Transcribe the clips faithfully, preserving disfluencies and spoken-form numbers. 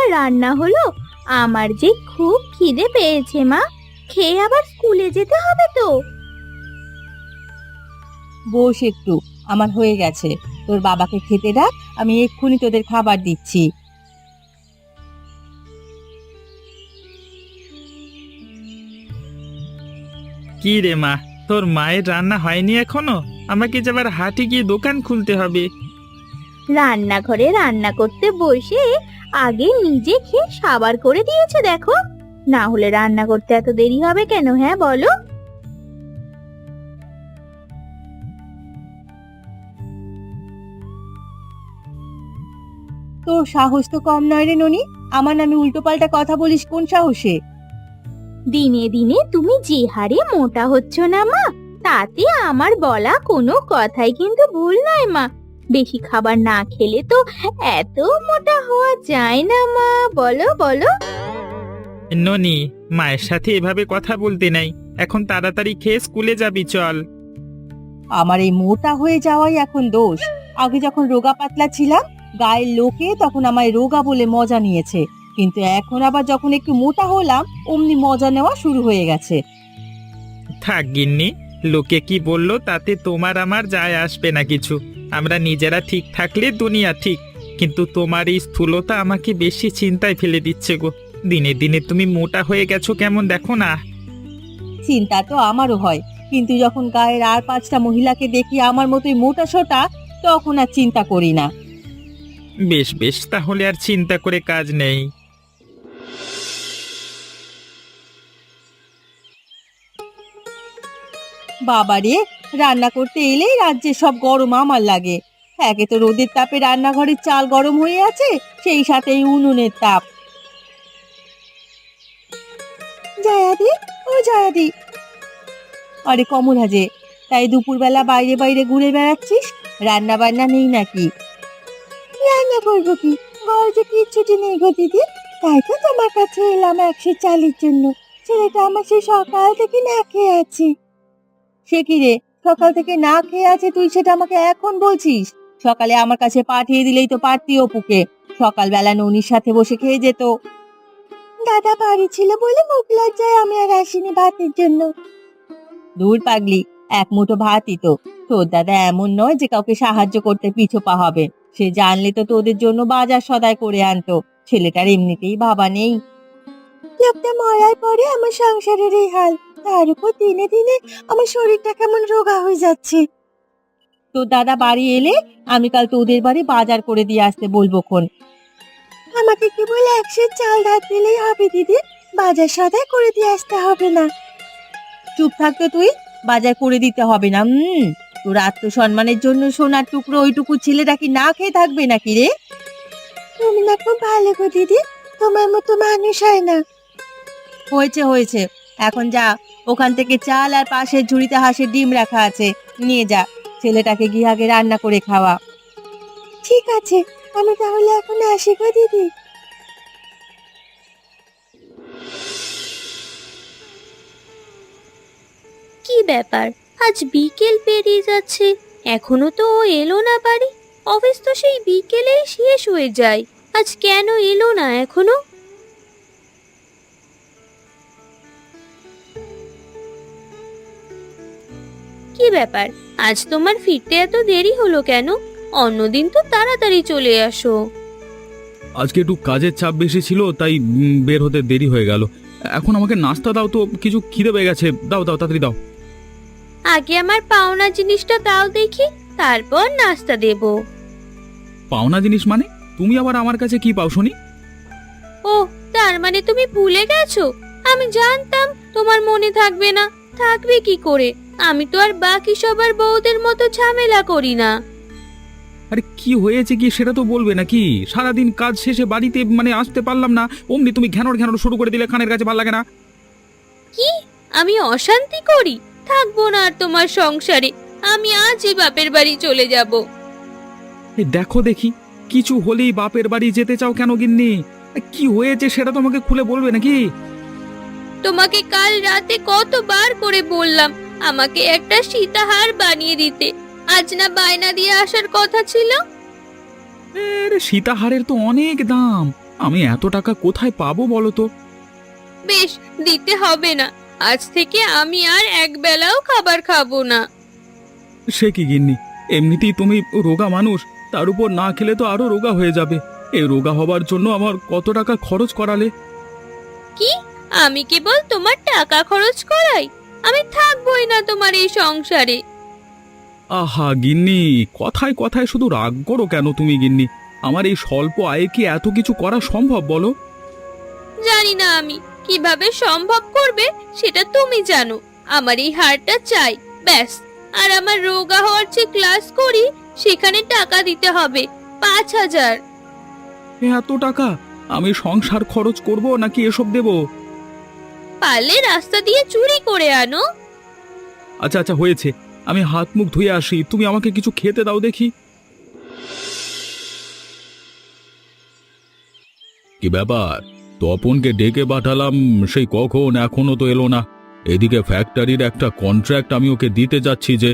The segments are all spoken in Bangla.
রান্না হলো। আমার যে খুব খিদে পেয়েছে মা, খেয়ে আবার স্কুলে যেতে হবে তো। বস একটু, আমার হয়ে গেছে। তোর বাবাকে খেতে ডাক, আমি এক্ষুনি তোদের খাবার দিচ্ছি। কি রে মা, তোর মায়ের রান্না হয়নি এখনো? আমাকে যে আবার হাটে গিয়ে দোকান খুলতে হবে। রান্নাঘরে রান্না করতে বসে আগে নিজে খেয়ে সাবার করে দিয়েছে দেখো। না হলে রান্না করতে এত দেরি হবে কেন, হ্যাঁ বলো? তোর সাহস তো কম নয় রে ননি। আমার নামে উল্টো পাল্টা কথা বলিস কোন সাহসে? দিনে দিনে তুমি যে হারে মোটা হচ্ছ না মা, তাতে আমার বলা কোনো কথাই কিন্তু ভুল নয় মা। বেশি খাবার না খেলে তো এত মোটা হওয়া যায় না মা, বলো বলো। ননি, মায়ের সাথে এভাবে কথা বলতে নাই। এখন তাড়াতাড়ি খেয়ে স্কুলে যাবি, চল। আমার এই মোটা হয়ে যাওয়াই এখন দোষ। আগে যখন রোগা পাতলা ছিলাম, গায়ের লোকে তখন আমায় রোগা বলে মজা নিয়েছে, কিন্তু এখন আবার যখন একটু মোটা হলাম অমনি মজা নেওয়া শুরু হয়ে গেছে। থাক গিন্নি, লোকে কি বললো তাতে তোমার আমার যায় আসবে না কিছু। আমরা নিজেরা ঠিক থাকলে দুনিয়া ঠিক। কিন্তু তোমার এই স্থূলতা আমাকে বেশি চিন্তায় ফেলে দিচ্ছে গো। দিনে দিনে তুমি মোটা হয়ে গেছো কেমন, দেখো না। চিন্তা তো আমারও হয়, কিন্তু যখন গায়ের আর পাঁচটা মহিলাকে দেখি আমার মতোই মোটা সোটা, তখন আর চিন্তা করি না। বেশ বেশ, তাহলে আর চিন্তা করে কাজ নেই। বাবারে, রান্না করতে এলেই রাজ্যে সব গরম আমার লাগে। একে তো রোদের তাপে রান্নাঘরের চাল গরম হয়ে আছে, সেই সাথে এই উনুনের তাপ। জয়াদি, ও জয়াদি। আরে কমল হাজে, তাই দুপুরবেলা বাইরে বাইরে ঘুরে বেড়াচ্ছিস? রান্না বান্না নেই নাকি? রান্না করবো কি, ঘরে যে কিচ্ছুটি নেই গো দিদি। তাই তো তোমার কাছে এলাম একশো চালের জন্য। ছেলেটা আমার সেই সকাল থেকে না খেয়ে আছে। সে কি রে, সকাল থেকে না খেয়ে আছে তুই সেটা আমাকে এখন বলছিস? সকালে আমার কাছে পাঠিয়ে দিলেই তো পারতি অপুকে, সকালবেলা ননির সাথে বসে খেয়ে যেত। দাদা বাড়ি ছিল বলে মুখ লজ্জায় আমি আর আসিনি ভাতের জন্য। দূর পাগলি, এক মুঠো ভাতই তো। তোর দাদা এমন নয় যে কাউকে সাহায্য করতে পিছপা হবে। সে জানলে তো তোদের জন্য বাজার সদাই করে আনতো। ছেলেটার এমনিতেই বাবা নেই। লোকটা মরার পরে আমার সংসারের এই হাল। তার উপর দিনে দিনে আমার শরীরটা কেমন রোগা হয়ে যাচ্ছে। তোর দাদা বাড়ি এলে আমি কাল তোদের বাড়ি বাজার করে দিয়ে আসতে বলবো খন। আমাকে কেবল একশো চাল ধার দিলেই হবে দিদি, বাজার সদাই করে দিয়ে আসতে হবে না। চুপ থাকতো তুই, বাজার করে দিতে হবে না। হুম, তোর আত্মসম্মানের জন্য সোনার টুকরো ওইটুকু ছেলেটা কি না খেয়ে থাকবে নাকি রে? তুমি না খুব ভালো গো দিদি, তোমার মতো মানুষ হয় না। হয়েছে হয়েছে, এখন যা, ওখান থেকে চাল আর পাশের ঝুড়িতে হাঁসের ডিম রাখা আছে, নিয়ে যা। ছেলেটাকে গিয়ে আগে রান্না করে খাওয়া। ঠিক আছে, আমি তাহলে এখন আসি গো দিদি। কি ব্যাপার, আজ বিকেল পেরিয়ে যাচ্ছে, এখনো তো ও এলো না বাড়ি। অফিস তো সেই বিকেলেই শেষ হয়ে যায়, আজ কেন এলো না এখনো? কি ব্যাপার, আজ তোমার ফিরতে এত দেরি হলো কেন? অন্যদিন তো তাড়াতাড়ি চলে আসো। আজকে একটু কাজের চাপ বেশি ছিল, তাই উম, বের হতে দেরি হয়ে গেল। এখন আমাকে নাস্তা দাও তো, কিছু খিদে পেয়ে গেছে। দাও দাও, তাড়াতাড়ি দাও। আগে আমার পাওনা জিনিসটা দাও দেখি, তারপর নাস্তা দেব। পাওনা জিনিস মানে? তুমি আবার আমার কাছে কি পাও শুনি? ও, তার মানে তুমি ভুলে গেছো? আমি জানতাম তোমার মনে থাকবে না। থাকবে কি করে, আমি তো আর বাকি সবার বউদের মতো ঝামেলা করি না। আরে কি হয়েছে কি সেটা তো বলবে নাকি? সারাদিন কাজ শেষে বাড়িতে মানে আসতে পারলাম না, অমনি তুমি ঘ্যানোর ঘ্যানোর শুরু করে দিলে। খানের কাছে ভালো লাগে না? কি, আমি অশান্তি করি? থাকবো না আর তোমার সংসারে, আমি আজই বাপের বাড়ি চলে যাব। এই দেখো দেখি, কিছু হলেই বাপের বাড়ি যেতে চাও কেন গিন্নি? এ, কি হয়েছে সেটা তো আমাকে খুলে বলবে নাকি? তোমাকে কাল রাতে কতবার করে বললাম আমাকে একটা সীতাহার বানিয়ে দিতে, আজ না বায়না দিয়ে আসার কথা ছিল। আরে সীতাহারের তো অনেক দাম, আমি এত টাকা কোথায় পাবো বলো তো? বেশ, দিতে হবে না। আজ থেকে আমি আর এক বেলাও খাবার খাবো না। সে কি গিন্নি, এমনিতেই তুমি রোগা মানুষ, তার উপর না খেলে তো আরো রোগা হয়ে যাবে। এই রোগা হবার জন্য আমার কত টাকা খরচ করালে। কি, আমি কেবল তোমার টাকা খরচ করাই? আমি থাকবোই না তোমার এই সংসারে। আহা গিন্নি, কথায় কথায় শুধু রাগ করো কেন তুমি গিন্নি? আমার এই স্বল্প আয়ে কি এত কিছু করা সম্ভব বলো? জানি না আমি কিভাবে সম্ভব করবে, সেটা তুমি জানো। আমার এই হারটা চাই, ব্যাস। আর আমার রোগা হওয়ার যে ক্লাস করি, সেখানে টাকা দিতে হবে পাঁচ হাজার। এত টাকা আমি সংসার খরচ করব নাকি এসব দেব? পারলে রাস্তা দিয়ে চুরি করে আনো। আচ্ছা আচ্ছা হয়েছে, আমি হাত মুখ ধুয়ে আসি, তুমি আমাকে কিছু খেতে দাও দেখি। কি ব্যাপার, তপনকে ডেকে পাঠালাম সেই কখন, এখনো তো এলো না। এদিকে ফ্যাক্টরির একটা কন্ট্রাক্ট আমি ওকে দিতে যাচ্ছি যে।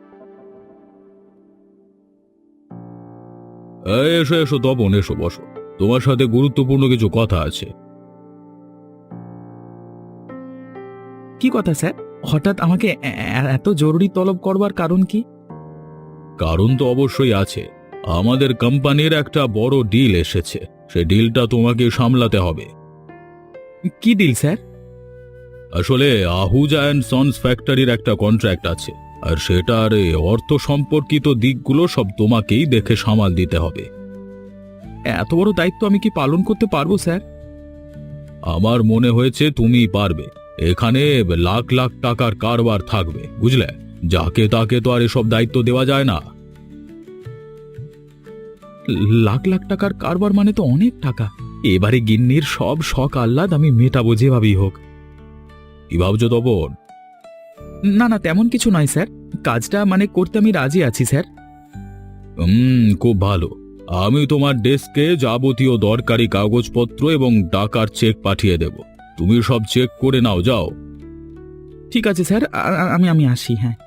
এই, এসো এসো তপন, এসো বসো, তোমার সাথে গুরুত্বপূর্ণ কিছু কথা আছে। কি কথা স্যার? হঠাৎ আমাকে এ- এ- এত জরুরি তলব করবার কারণ কি? কারণ তো অবশ্যই আছে। আমাদের কোম্পানির একটা বড় ডিল এসেছে, সেই ডিলটা তোমাকে সামলাতে হবে। কি ডিল স্যার? আসলে আহুজা অ্যান্ড সন্স ফ্যাক্টরির একটা কন্ট্রাক্ট আছে, আর সেটার এ অর্থ সম্পর্কিত দিকগুলো সব তোমাকেই দেখে সামাল দিতে হবে। এত বড় দায়িত্ব আমি কি পালন করতে পারবো স্যার? আমার মনে হয়েছে তুমি পারবে। এখানে লাখ লাখ টাকার কারবার থাকবে, বুঝলে? যাকে তাকে তো আর এসব দায়িত্ব দেওয়া যায় না। লাখ লাখ টাকার কারবার মানে তো অনেক টাকা। এবারে গিন্নির সব শখ আহ্লাদ আমি মেটাবো যেভাবেই হোক। কি ভাবছো তপন? না না, তেমন কিছু নয় স্যার, কাজটা মানে করতে আমি রাজি আছি স্যার। হুম, খুব ভালো। আমি তোমার ডেস্কে যাবতীয় দরকারি কাগজপত্র এবং টাকার চেক পাঠিয়ে দেব। তুমি সব চেক করে নাও, যাও। ঠিক আছে স্যার, আ- আ- আমি আমি আসি। হ্যাঁ।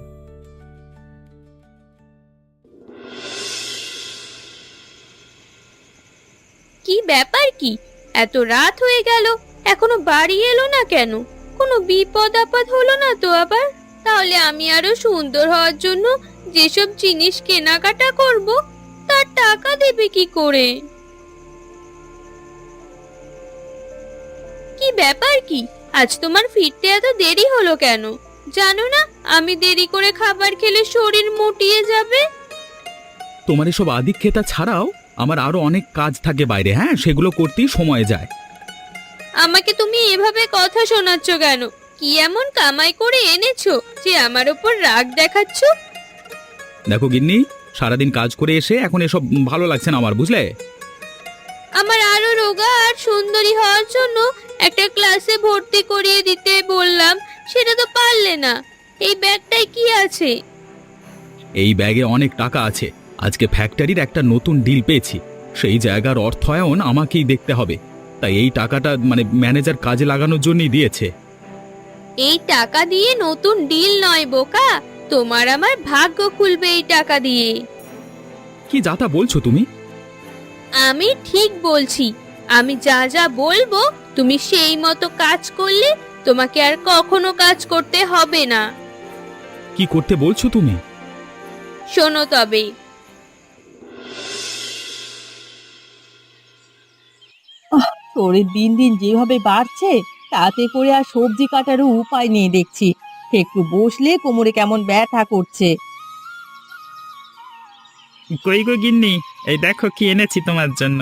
কি ব্যাপার কি, এত রাত হয়ে গেল, এখনো বাড়ি এলো না কেন? কোনো বিপদ আপদ হলো না তো আবার? তাহলে আমি আরো সুন্দর হওয়ার জন্য যেসব জিনিস কেনাকাটা করব, তার টাকা দেবে কি করে? কি ব্যাপার কি, আজ তোমার ফিরতে এত দেরি হলো কেন? জানো না আমি দেরি করে খাবার খেলে শরীর মুটিয়ে যাবে। তোমার এসব আদিক্ষেতা ছাড়াও আমার আরো অনেক কাজ থাকে বাইরে, হ্যাঁ, সেগুলো করতেই সময় যায়। আমাকে তুমি এভাবে কথা শোনাচ্ছ কেন? কি এমন কামাই করে এনেছো যে আমার উপর রাগ দেখাচ্ছ? দেখো গিন্নি, সারাদিন কাজ করে এসে এখন এসব ভালো লাগছে না আমার, বুঝলে? আমার আরো রোগা আর সুন্দরী হওয়ার জন্য একটা ক্লাসে ভর্তি করিয়ে দিতে বললাম, সেটা তো পারলে না। এই ব্যাগটায় কি আছে? এই ব্যাগে অনেক টাকা আছে। আজকে ফ্যাক্টরির একটা নতুন ডিল পেয়েছি, সেই জায়গার অর্থায়ন আমাকেই দেখতে হবে। তাই এই টাকাটা মানে ম্যানেজার কাজে লাগানোর জন্যই দিয়েছে। এই টাকা দিয়ে নতুন ডিল নয় বোকা, তোমার আমার ভাগ্য খুলবে এই টাকা দিয়ে। কি যাতা বলছো তুমি? আমি ঠিক বলছি। আমি যা যা বলবো তুমি সেই মতো কাজ করলে তোমাকে আর কখনো কাজ করতে হবে না। কি করতে বলছো তুমি? শোনো তবে। তোর দিন দিন যেভাবে বাড়ছে, তাতে করে আর সবজি কাটারও উপায় নেই দেখছি। একটু বসলে কোমরে কেমন ব্যথা করছে। কই গো গিন্নি, এই দেখো কি এনেছি তোমার জন্য।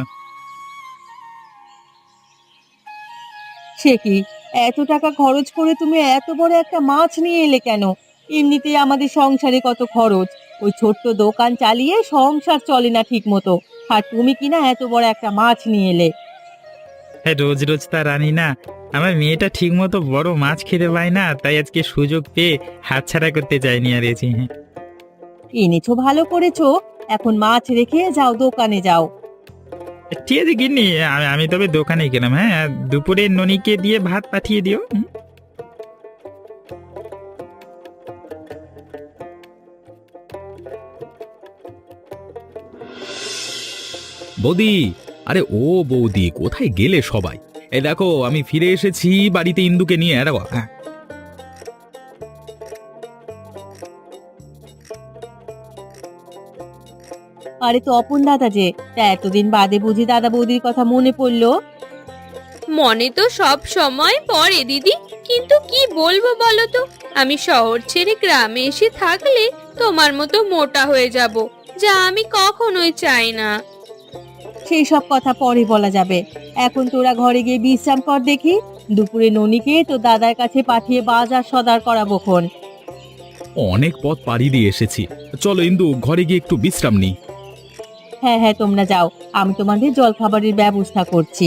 সে কি, এত টাকা খরচ করে তুমি এত বড় একটা মাছ নিয়ে এলে কেন? এমনিতেই আমাদের সংসারে কত খরচ, ওই ছোট্ট দোকান চালিয়ে সংসার চলে না ঠিক মতো, আর তুমি কিনা এত বড় একটা মাছ নিয়ে এলে। হ্যাঁ, রোজ রোজ তা রানি না, আমার মেয়েটা ঠিক মতো বড় মাছ খেতে পায় না, তাই আজকে সুযোগ পেয়ে হাতছাড়া করতে চাইনি আর এসি। হ্যাঁ, এনেছো ভালো করেছো, এখন মাছ রেখে যাও, দোকানে যাও। ঠিক আছে গিন্নি, আমি আমি তবে দোকানে গেলাম। হ্যাঁ, আর দুপুরে ননিকে দিয়ে ভাত পাঠিয়ে দিও। হুম। বৌদি, আরে ও বৌদি, কোথায় গেলে সবাই? এই দেখো আমি ফিরে এসেছি বাড়িতে ইন্দুকে নিয়ে। আরে বাবা, হ্যাঁ। আরে তো অপন দাদা যে, তা এতদিন বাদে বুঝি দাদা বৌদির কথা মনে পড়লো? মনে তো সব সময় পড়ে দিদি, কিন্তু কি বলবো বলো তো, আমি শহর ছেড়ে গ্রামে এসে থাকলে তোমার মতো মোটা হয়ে যাব, যা আমি কখনোই চাই না। সেই সব কথা পরে বলা যাবে। এখন তোরা ঘরে গিয়ে বিশ্রাম কর দেখি। দুপুরে ননিকে তো দাদার কাছে পাঠিয়ে বাজার সদার করাবো খন। অনেক পথ পাড়ি দিয়ে এসেছি, চলো ইন্দু ঘরে গিয়ে একটু বিশ্রাম নিই। হ্যাঁ হ্যাঁ, তোমরা যাও, আমি তোমাদের জল খাবারের ব্যবস্থা করছি।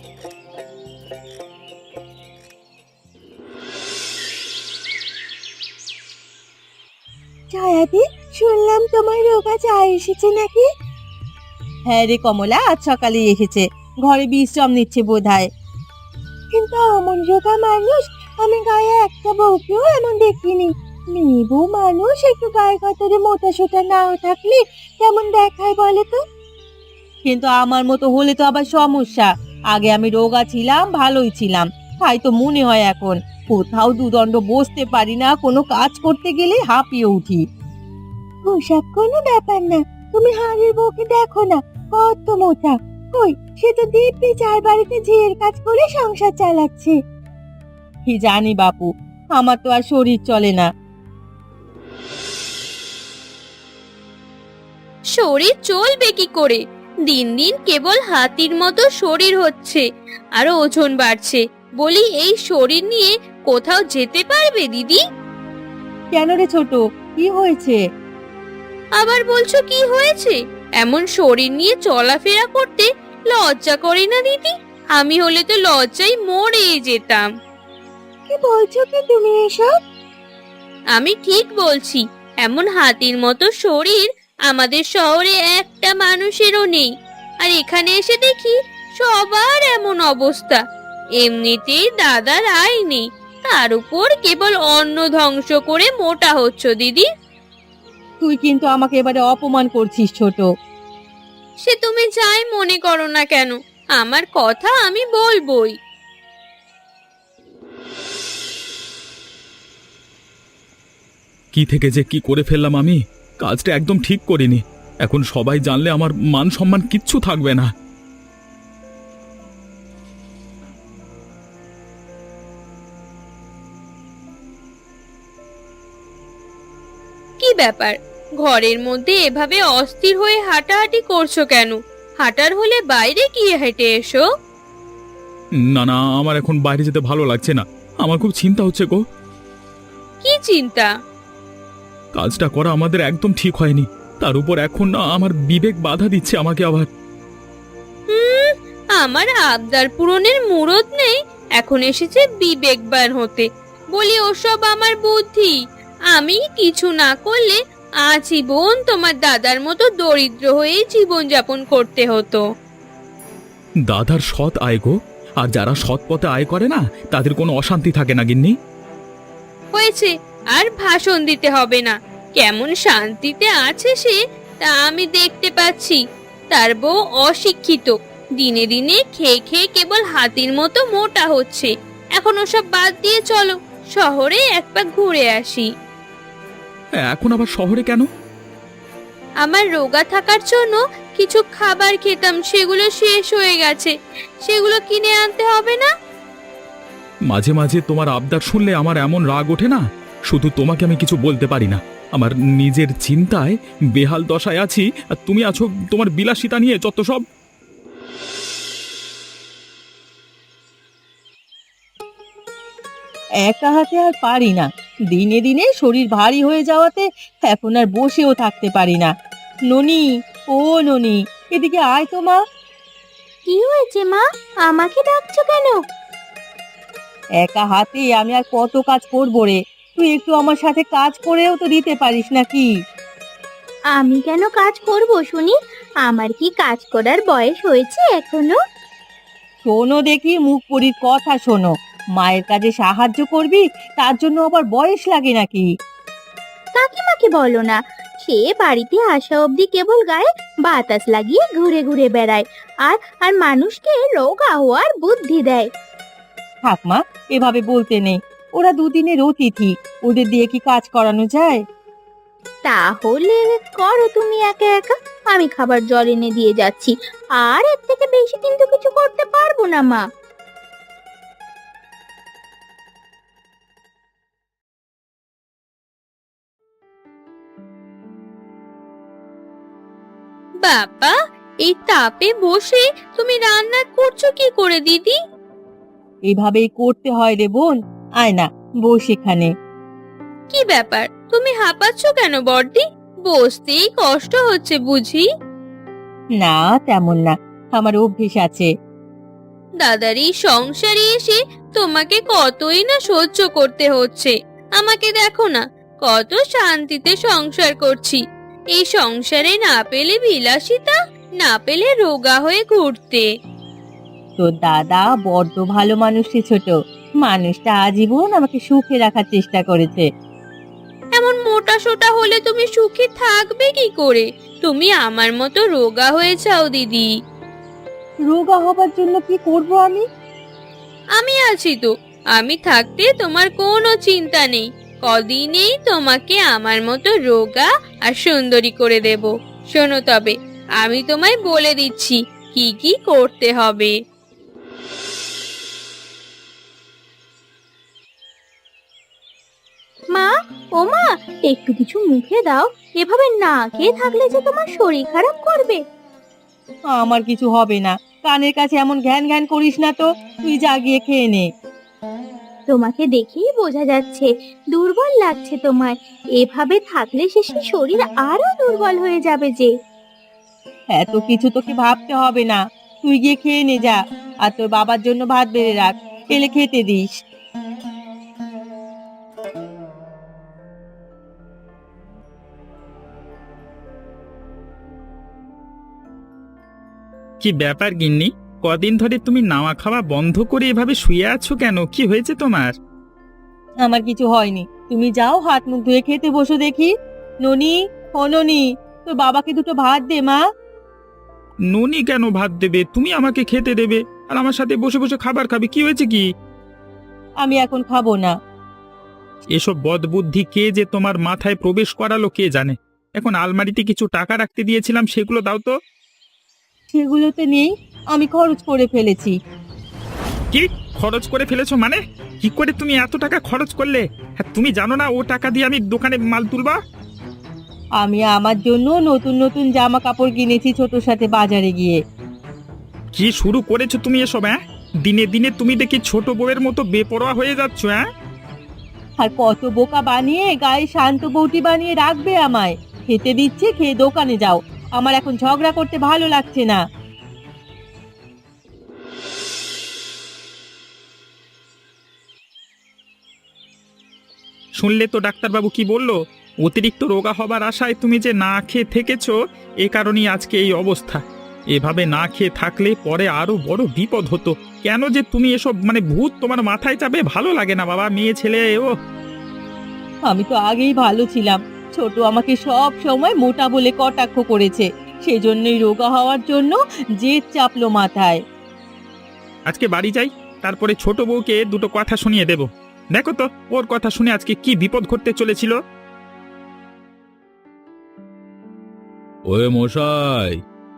ছায়াদি, শুনলাম তোমার রোগা চা এসেছে নাকি? হ্যাঁ রে কমলা, আজ সকালে এসেছে, ঘরে বিশ্রাম নিচ্ছে বোধহয়। কিন্তু অমন রোগা মানুষ আমি গায়ে একটা বউকেও এমন দেখিনি। মেয়ে বউ মানুষ একটু গায়ে গতরে মোটা সোটা নাও থাকলে কেমন দেখায় বলে তো? কিন্তু আমার মতো হলে তো আবার সমস্যা। আগে আমি রোগা ছিলাম, ভালোই ছিলাম, তাই তো মনে হয় এখন কোথাও দুদণ্ড বসতে পারি না, কোনো কাজ করতে গেলে হাঁপিয়ে উঠি। ওসব কোনো ব্যাপার না, তুমি হাড়ির বউকে দেখো না, কত মোটা। কই, সে তো দিব্যি চার বাড়িতে ঝিয়ের কাজ করে সংসার চালাচ্ছে। কি জানি বাপু, আমার তো আর শরীর চলে না। শরীর চলবে কি করে? দিন দিন কেবল হাতির মতো শরীর হচ্ছে, আরো ওজন বাড়ছে। বলি, এই শরীর নিয়ে কোথাও যেতে পারবে দিদি? কেন রে ছোট, কি হয়েছে? আবার বলছো কি হয়েছে? এমন শরীর নিয়ে চলাফেরা করতে লজ্জা করে না দিদি? আমি হলে তো লজ্জায় মরে যেতাম। কি বলছো কি তুমি এসব? আমি ঠিক বলছি, এমন হাতির মতো শরীর আমাদের শহরে একটা মানুষেরও নেই। আর এখানে এসে দেখি সবার এমন অবস্থা। এমনিতেই দাদার আয় নেই, তার উপর কেবল অন্ন ধ্বংস করে মোটা হচ্ছ দিদি। তুই কিন্তু আমাকে এবারে অপমান করছিস ছোট। সে তুমি যাই মনে করো না কেন, আমার কথা আমি বলবোই। কি থেকে যে কি করে ফেললাম আমি, কাজটা একদম ঠিক করিনি। এখন সবাই জানলে আমার মান সম্মান কিচ্ছু থাকবে না। কি ব্যাপার, ঘরের মধ্যে এভাবে অস্থির হয়ে হাঁটাহাঁটি করছো কেন? হাঁটার হলে বাইরে গিয়ে হেঁটে এসো। না না, আমার এখন বাইরে যেতে ভালো লাগছে না, আমার খুব চিন্তা হচ্ছে গো। কি চিন্তা? কাজটা করা আমাদের একদম ঠিক হয়নি, তার উপর এখন না আমার বিবেক বাধা দিচ্ছে আমাকে আবার। হুম, আমার আবদার পূরণের মুরদ নেই, এখন এসেছে বিবেকবান হতে। বলি, ওসব আমার বুদ্ধি। আমি কিছু না করলে আজীবন তোমার দাদার মতো দরিদ্র হয়ে জীবন যাপন করতে হতো। দাদার সৎ আয় গো, আর যারা সৎ পথে আয় করে না তাদের কোনো অশান্তি থাকে না গিন্নি। হয়েছে, আর ভাষণ দিতে হবে না। কেমন শান্তিতে আছে সে, তা আমি দেখতে পাচ্ছি। তার বউ অশিক্ষিত, দিনে দিনে খেয়ে খেয়ে কেবল হাতির মতো মোটা হচ্ছে। এখন ওসব বাদ দিয়ে চলো শহরে এক পাক ঘুরে আসি। এখন আবার শহরে কেন? আমার রোগা থাকার জন্য কিছু খাবার খেতাম, সেগুলো শেষ হয়ে গেছে, সেগুলো কিনে আনতে হবে না? মাঝে মাঝে তোমার আবদার শুনলে আমার এমন রাগ ওঠে না, শুধু তোমাকে আমি কিছু বলতে পারি না। আমার নিজের চিন্তায় বেহাল দশায় আছি, আর তুমি আছো তোমার বিলাসিতা নিয়ে যত সব। একা হাতে আর পারি না, দিনে দিনে শরীর ভারী হয়ে যাওয়াতে এখন আর বসেও থাকতে পারি না। ননি, ও ননি, এদিকে আয় তো মা। কি হয়েছে মা, আমাকে ডাকছো কেন? একা হাতে আমি আর কত কাজ করবো রে, তুই একটু আমার সাথে কাজ করেও তো দিতে পারিস নাকি? আমি কেন কাজ করব শুনি? আমার কি কাজ করার বয়স হয়েছে এখনো? শোনো দেখি, মুখ পরির কথা শোনো। মায়ের কাজে সাহায্য করবি, তার জন্য আবার বয়স লাগে নাকি? কাকিমাকে বলো না, সে বাড়িতে আসা অবধি কেবল গায়ে বাতাস লাগিয়ে ঘুরে ঘুরে বেড়ায় আর আর মানুষকে রোগা হওয়ার বুদ্ধি দেয়। থাক মা, এভাবে বলতে নেই। ওরা দুদিনের অতিথি, ওদের দিয়ে কি কাজ করানো যায়? তাহলে করো তুমি একা একা, আমি খাবার জল এনে দিয়ে যাচ্ছি। আর এর থেকে বেশি কিন্তু কিছু করতে পারবো না মা। বাবা, এই তাপে বসে তুমি রান্না করছো কি করে দিদি? এভাবেই করতে হয় রে বোন। আয় না, বস এখানে। কি ব্যাপার, তুমি হাঁপাচ্ছ কেন বড়দি? বসতেই কষ্ট হচ্ছে বুঝি? না, তেমন না, আমার অভ্যেস আছে। দাদার এই সংসারে এসে তোমাকে কতই না সহ্য করতে হচ্ছে। আমাকে দেখো না, কত শান্তিতে সংসার করছি। এই সংসারে না পেলে বিলাসিতা, না পেলে রোগা হয়ে ঘুরতে। তোর দাদা বড্ড ভালো মানুষ রে ছোট। মানুষটা আজীবন আমাকে সুখে রাখার চেষ্টা করেছে। এমন মোটা সোটা হলে তুমি সুখে থাকবে কি করে? তুমি আমার মতো রোগা হয়ে যাও দিদি। রোগা হবার জন্য কি করব আমি? আমি আছি তো, আমি থাকতে তোমার কোনো চিন্তা নেই। কদিনেই তোমাকে আমার মতো রোগা আর সুন্দরী করে দেব। শোনো তবে, আমি তোমায় বলে দিচ্ছি কি কি করতে হবে। মা, ও মা, একটু কিছু মুখে দাও। এভাবে না খেয়ে থাকলে যে তোমার শরীর খারাপ করবে। আমার কিছু হবে না। কানের কাছে এমন ঘ্যান ঘ্যান করিস না তো। তুই যা গিয়ে খেয়ে নে। তোমাকে দেখেই বোঝা যাচ্ছে দুর্বল লাগছে তোমায়। এভাবে থাকলে শেষে শরীর আরো দুর্বল হয়ে যাবে যে। এত কিছু তোকে ভাবতে হবে না। তুই গিয়ে খেয়ে নে যা। আর তোর বাবার জন্য ভাত বেড়ে রাখ, এলে খেতে দিস। কি ব্যাপার গিন্নি, কদিন ধরে তুমি নাওয়া খাওয়া বন্ধ করে এভাবে শুয়ে আছো কেন? কি হয়েছে তোমার? আমার কিছু হয়নি। তুমি যাও, হাত মুখ ধুয়ে খেতে বসো দেখি। ননি, ও ননি, তোর বাবাকে দুটো ভাত দে মা। ননি কেন ভাত দেবে? তুমি আমাকে খেতে দেবে আর আমার সাথে বসে বসে খাবার খাবে, কি হয়েছে কি? আমি এখন খাবো না। এসব বদবুদ্ধি কে যে তোমার মাথায় প্রবেশ করালো কে জানে। এখন আলমারিতে কিছু টাকা রাখতে দিয়েছিলাম, সেগুলো দাও তো। সেগুলোতে নেই, আমি খরচ করে ফেলেছি। কি খরচ করে ফেলেছো মানে? কি করে তুমি এত টাকা খরচ করলে? হ্যাঁ, তুমি জানো না ও টাকা দিয়ে আমি দোকানে মাল তুলবা? আমি আমার জন্য নতুন নতুন জামা কাপড় কিনেছি ছোটর সাথে বাজারে গিয়ে। কি শুরু করেছো তুমি এসব? হ্যাঁ, দিনে দিনে তুমি দেখি ছোট বউয়ের মতো বেপরোয়া হয়ে যাচ্ছ। হ্যাঁ, আর কত বোকা বানিয়ে গায়ে শান্ত বউটি বানিয়ে রাখবে আমায়। খেতে দিচ্ছে, খেয়ে দোকানে যাও। আমার এখন ঝগড়া করতে ভালো লাগছে না। শুনলে তো ডাক্তারবাবু কি বললো? অতিরিক্ত রোগা হবার আশায় তুমি যে না খেয়ে থেকেছো, এ কারণেই আজকে এই অবস্থা। এভাবে না খেয়ে থাকলে পরে আরো বড় বিপদ হতো। কেন যে তুমি এসব মানে ভূত তোমার মাথায় চাপে? ভালো লাগে না বাবা, মেয়ে ছেলে। ও আমি তো আগেই ভালো ছিলাম। ছোট আমাকে সব সময় মোটা বলে কটাক্ষ করেছে। সেজন্যই রোগা হওয়ার জন্য জেদ চাপলো মাথায়। আজকে বাড়ি যাই, তারপরে ছোট বউকে দুটো কথা শুনিয়ে দেব। দেখো তো ওর কথা শুনে আজকে কি বিপদ ঘটতে চলেছিল। ওয়ে মশাই,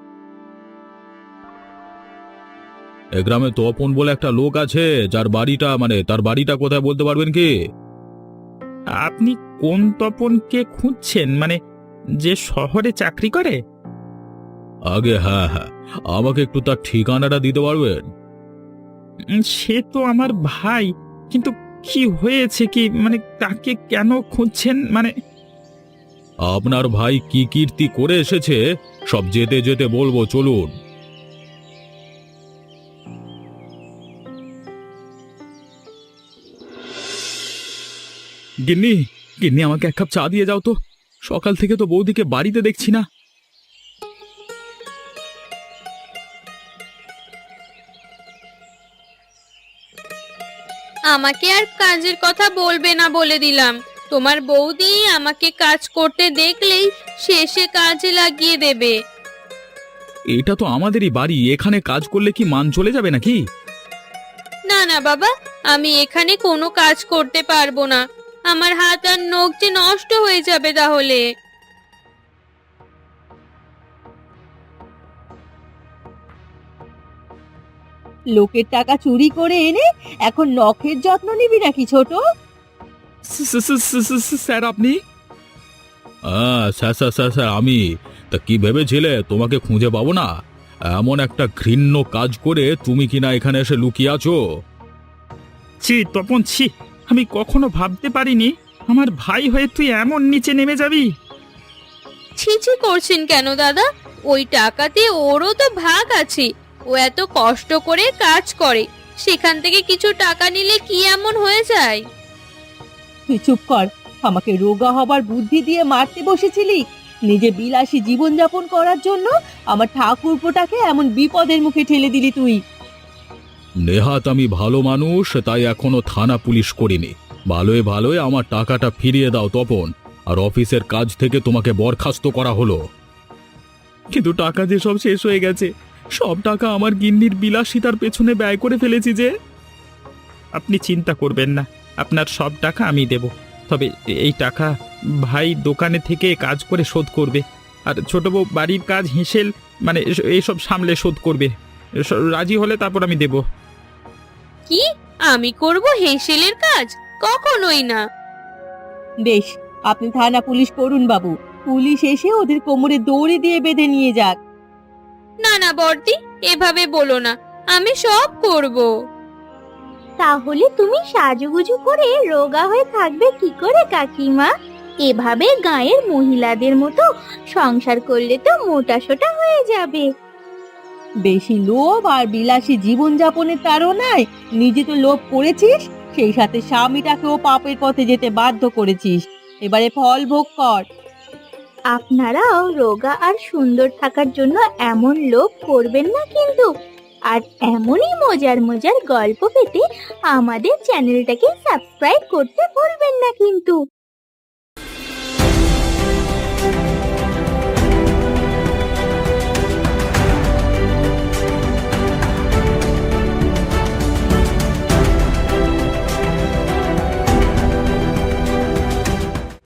এ গ্রামে তপন বলে একটা লোক আছে, যার বাড়িটা মানে তার বাড়িটা কোথায় বলতে পারবেন কি? আপনি কোন তপনকে খুঁজছেন? মানে যে শহরে চাকরি করে? আগে হ্যাঁ হ্যাঁ, আমাকে একটু তার ঠিকানাটা দিতে পারবেন? উম, সে তো আমার ভাই, কিন্তু কি হয়েছে কি, মানে তাকে কেন খুঁজছেন? মানে আপনার ভাই কি কীর্তি করে এসেছে সব যেতে যেতে বলবো, চলুন। গিন্নি, গিন্নি আমাকে এক কাপ চা দিয়ে যাও তো। সকাল থেকে তো বৌদিকে বাড়িতে দেখছি না। আমাকে আর কাজের কথা বলবে না বলে দিলাম। তোমার বৌদি আমাকে কাজ করতে দেখলেই শেষে কাজে লাগিয়ে দেবে। এটা তো আমাদেরই বাড়ি, এখানে কাজ করলে কি মান চলে যাবে নাকি? না না বাবা, আমি এখানে কোনো কাজ করতে পারবো না। আমার হাত আর নখ যে নষ্ট হয়ে যাবে তাহলে। লোকের টাকা চুরি করে এনে এখন নখের যত্ন নিবি নাকি ছোট? স- স- স- স- স- স- স্যার আপনি? হ্যাঁ স্যার স্যার স্যার স্যার আমি। তা কি ভেবেছিলে তোমাকে খুঁজে পাবো না? এমন একটা ঘৃণ্য কাজ করে তুমি কিনা এখানে এসে লুকিয়ে আছো। ছি তপন, ছি, আমি কখনো ভাবতে পারিনি আমার ভাই হয়ে তুই এমন নিচে নেমে যাবি। ছিছি করছেন কেন দাদা? ওই টাকাতে ওরও তো ভাগ আছে। ও এত কষ্ট করে কাজ করে, সেখান থেকে কিছু টাকা নিলে কি এমন হয়ে যায়? তুই চুপ কর। আমাকে রোগা হবার বুদ্ধি দিয়ে মারতে বসেছিলি। নিজে বিলাসী জীবনযাপন করার জন্য আমার ঠাকুরপোটাকে এমন বিপদের মুখে ঠেলে দিলি তুই। নেহাত আমি ভালো মানুষ, তাই এখনো থানা পুলিশ করিনি। ভালোই ভালোই আমার টাকাটা ফিরিয়ে দাও তপন, আর অফিসের কাজ থেকে তোমাকে বরখাস্ত করা হলো। কিন্তু টাকা যে সব শেষ হয়ে গেছে, সব টাকা আমার গিন্নির বিলাসিতার পেছনে ব্যয় করে ফেলেছি যে। আপনি চিন্তা করবেন না, আপনার সব টাকা আমি দেব। তবে এই টাকা ভাই দোকানে থেকে কাজ করে শোধ করবে, আর ছোট বউ বাড়ির কাজ হিসেল মানে এস- এইসব সামলে শোধ করবে। এস- রাজি হলে তারপর আমি দেব। কি আমি করব হেসেলের কাজ? কখনোই না। বেশ, আপনি থানা পুলিশ করুন বাবু। পুলিশ এসে ওদের কোমরে দড়ি দিয়ে বেঁধে নিয়ে যাক। না না বর্দি, এভাবে বলো না। আমি সব করব। তাহলে তুমি সাজুগুজু করে রোগা হয়ে থাকবে কি করে কাকিমা? এভাবে গাঁয়ের মহিলাদের মতো সংসার করলে তো মোটাসোটা হয়ে যাবে। বেশি লোভ আর বিলাসী জীবনযাপনের তাড়নায় নিজে তো লোভ করেছিস, সেই সাথে স্বামীটাকেও পাপের পথে যেতে বাধ্য করেছিস। এবারে ফল ভোগ কর। আপনারাও রোগা আর সুন্দর থাকার জন্য এমন লোভ করবেন না কিন্তু। আর এমনই মজার মজার গল্প পেতে আমাদের চ্যানেলটাকে সাবস্ক্রাইব করতে ভুলবেন না কিন্তু।